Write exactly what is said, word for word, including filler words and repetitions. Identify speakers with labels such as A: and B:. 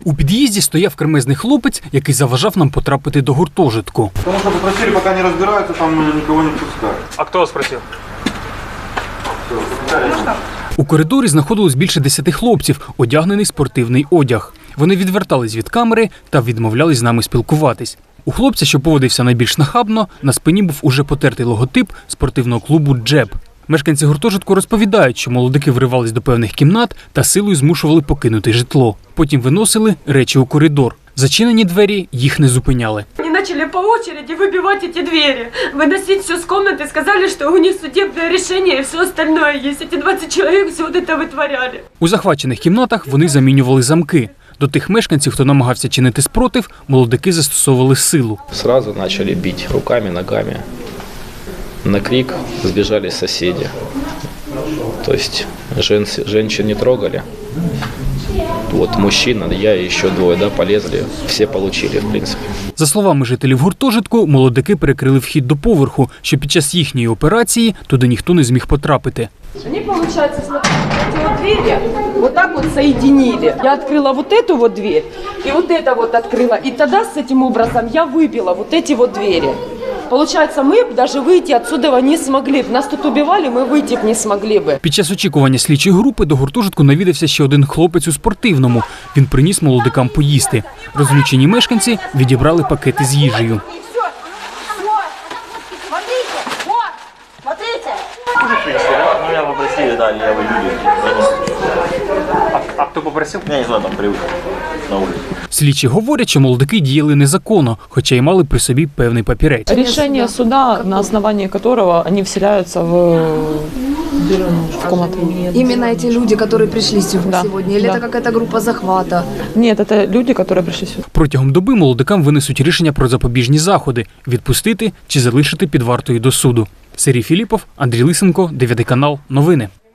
A: У під'їзді стояв кремезний хлопець, який заважав нам потрапити до гуртожитку.
B: Тому що попросили, поки не розбираються, там нікого не пускають.
C: А хто вас просив?
A: У коридорі знаходилось більше десяти хлопців, одягнений спортивний одяг. Вони відвертались від камери та відмовлялись з нами спілкуватись. У хлопця, що поводився найбільш нахабно, на спині був уже потертий логотип спортивного клубу «Джеб». Мешканці гуртожитку розповідають, що молодики вривались до певних кімнат та силою змушували покинути житло. Потім виносили речі у коридор. Зачинені двері їх не зупиняли.
D: Они начали по очереди выбивать эти двери, выносить все с комнаты, сказали, что у них судебное решение и все остальное есть. Эти двадцать человек все вот это вытворяли.
A: У захвачених кімнатах вони замінювали замки. До тих мешканців, хто намагався чинити спротив, молодики застосовували силу.
E: Сразу почали бити руками, ногами. На крик сбежали соседи. То есть жен, женщин не трогали. Вот мужчина, я и еще двое, да, полезли. Все получили, в принципе.
A: За словами жителів гуртожитку, молодики перекрили вхід до поверху, що під час їхньої операції туди ніхто не зміг потрапити.
D: Они, получается, смотрите, эти вот двери вот так вот соединили. Я открыла вот эту вот дверь и вот это вот открыла. И тогда с этим образом я выбила вот эти вот двери. Получается, мы даже выйти отсюда не смогли. Нас тут убивали, мы выйти не смогли бы.
A: Під час очікування слідчої групи до гуртожитку навідався ще один хлопець у спортивному. Він приніс молодикам поїсти. Розлючені мешканці відібрали пакети з їжею.
F: Ну, я попросил, да, левые люди.
C: А, а хто попросив?
F: Я не знаю, там привык на улице.
A: Слідчі говорять, що молодики діяли незаконно, хоча й мали при собі певний папірець.
G: Решение суда, на основании которого они вселяются в, в комнату.
H: Именно эти люди, которые пришли сюда
G: Да.
H: сегодня? Или
G: Да.
H: это какая-то группа захвата?
G: Нет, это люди, которые пришли сюда.
A: Протягом доби молодикам винесуть рішення про запобіжні заходи – відпустити чи залишити під вартою до суду. Сергій Філіпов, Андрій Лисенко, дев'ятий канал, новини.